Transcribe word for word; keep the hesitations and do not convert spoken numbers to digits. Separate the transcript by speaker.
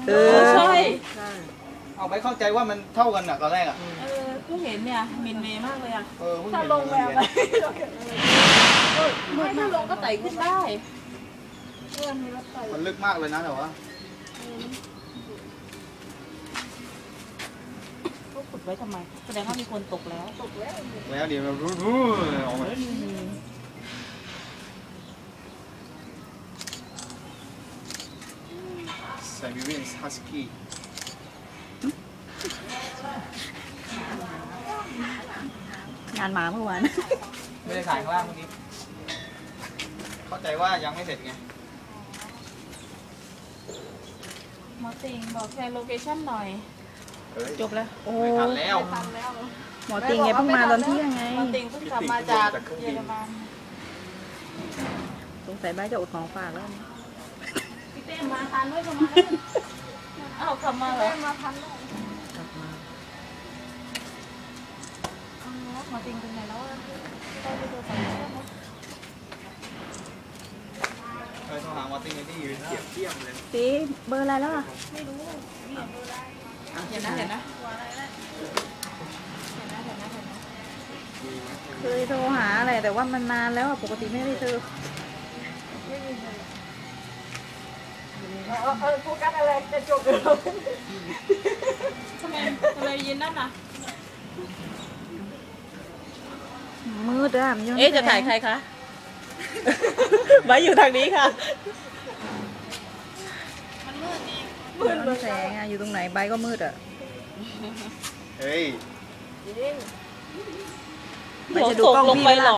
Speaker 1: เออใช่
Speaker 2: เอาไม่เข้าใจว่ามันเท่ากันอ่ะตอนแรกอ่ะ
Speaker 1: เออเพิ่งเห็นเนี่ยมินเมย์มากเลยอ่ะ
Speaker 2: เออเพิ่ง
Speaker 1: ถ้า
Speaker 2: เห็น
Speaker 1: ลงแววไปไม่ถ้าลงก็ไต่ขึ้นได้
Speaker 2: มันลึกมากเลยนะแต่ว่า
Speaker 1: ก็ขุดไว้ทำไมแสดงว่ามีคนตกแล้วตกแล้ว
Speaker 2: แล้วเดี๋ยวมันรู้รู้ออกมาไซบีเรียนฮัสกี้
Speaker 3: งานหมาเมื่อวาน
Speaker 2: ไม่ได้ถ่ายข้างล่างเมื่อกี้เข้าใจว่ายังไม่เสร็จไง
Speaker 1: หมอติงบอกแชร์โลเคชั่นหน่อย
Speaker 3: จบแล้วโอ้
Speaker 2: ไม่ทันแล้ว
Speaker 1: ทันแล้ว
Speaker 3: หมอติงไงเพิ่งมาตอนเที่ยงไง
Speaker 1: หมอติงเพิ่งกลับมาจากเยอรมัน
Speaker 3: สงสัยบ้านจะอดของฝากแล้ว
Speaker 1: พี่เต้มาทันด้วยประมาณนั้นอ้าวกลับมาเหรอมาทันแล้ว
Speaker 3: กลับมา
Speaker 1: หมอติงเป็นไงแล้วได้ไปดูสองเรื่องมั้ย
Speaker 2: เคยโทรหามาร์ตินที่ยืนเทียบเทียมเลย
Speaker 3: ตีเบอร์อะไรแล้วอ่ะ
Speaker 1: ไม่รู้เห็นนะเห็นนะเห็นนะเห็นนะเห็นนะ
Speaker 3: เคยโทรหาอะไรแต่ว่ามันนานแล้วอะปกติไม่ได้เจอ
Speaker 1: เออเออโฟกัสอะไรจะจบเลยทำไมทำไมยืนนั่นน่ะ
Speaker 3: มืดอะมันยัง
Speaker 1: เอ๊ะจะถ่ายใครคะไว้อยู่ทางนี้ค่ะ
Speaker 3: มืดมันแสงอะอยู่ตรงไหนใบก็มืดอะ
Speaker 2: เฮ้ย
Speaker 3: ใบจะดูกล้องพี่ไหมล่ะ